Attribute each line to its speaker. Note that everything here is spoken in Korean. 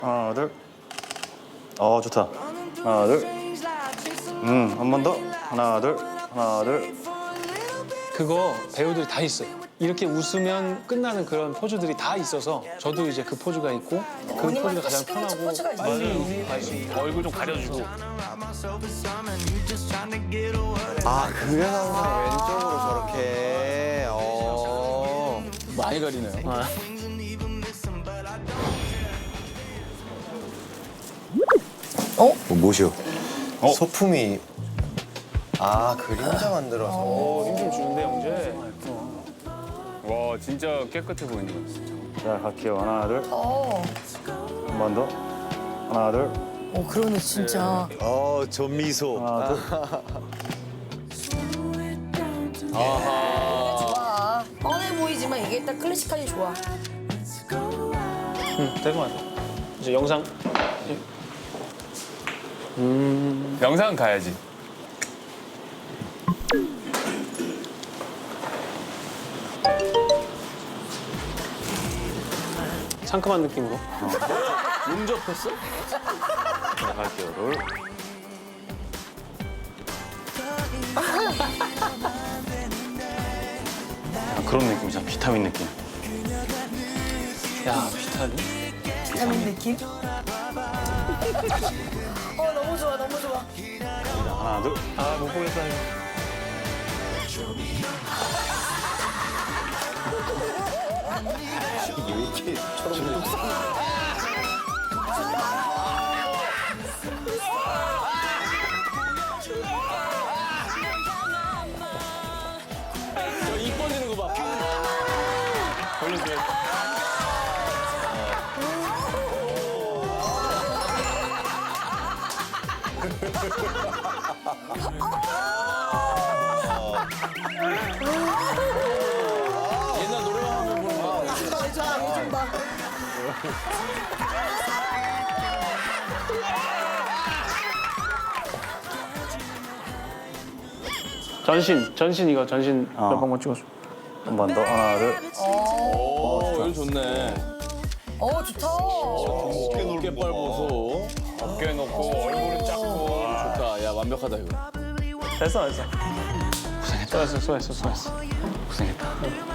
Speaker 1: 하나, 둘. 좋다. 하나, 둘. 한 번 더. 하나, 둘. 하나, 둘.
Speaker 2: 그거 배우들이 다 있어요. 이렇게 웃으면 끝나는 그런 포즈들이 다 있어서 저도 이제 그 포즈가 있고 그 포즈가 가장 편하고
Speaker 3: 포즈가 있어요.
Speaker 2: 빨리 갈 수 있고 얼굴 좀 가려주고.
Speaker 4: 그래서 항상 왼쪽으로 저렇게.
Speaker 5: 많이 가리네요.
Speaker 4: 뭐시오? 소품이. 그림자 만들어서.
Speaker 2: 힘 좀 주는데 영재.
Speaker 6: 와 진짜 깨끗해 보인다.
Speaker 1: 자, 갈게요. 하나, 둘. 한 번 더. 하나, 둘.
Speaker 3: 그러네 진짜.
Speaker 4: 저 미소.
Speaker 1: 하나, 둘.
Speaker 3: 좋아. 뻔해 보이지만 이게 딱 클래식하니 좋아.
Speaker 2: 될 것 같아. 이제 영상.
Speaker 6: 영상 가야지.
Speaker 2: 상큼한 느낌으로.
Speaker 5: 용접했어?
Speaker 1: 자, 갈게요. 둘. 그런 느낌이잖아. 비타민 느낌.
Speaker 2: 야 비타민.
Speaker 3: 비타민 느낌? 너무 좋아 너무 좋아.
Speaker 1: 자, 하나, 둘.
Speaker 2: 못 보겠다 이거.
Speaker 5: 저입 벌리는 거 봐. 옛날 노래방 하면 보는 거.
Speaker 3: 좀 봐.
Speaker 2: 전신 이거 전신 몇 번만 찍어줘.
Speaker 1: 한 번 더. 하나, 둘.
Speaker 5: 여기 좋네.
Speaker 3: 좋다.
Speaker 5: 어깨 빨보소.
Speaker 6: 어깨 놓고 얼굴은 작고.
Speaker 5: 좋다. 야 완벽하다 이거.
Speaker 2: 됐어. 수고했어.
Speaker 1: 고생했다.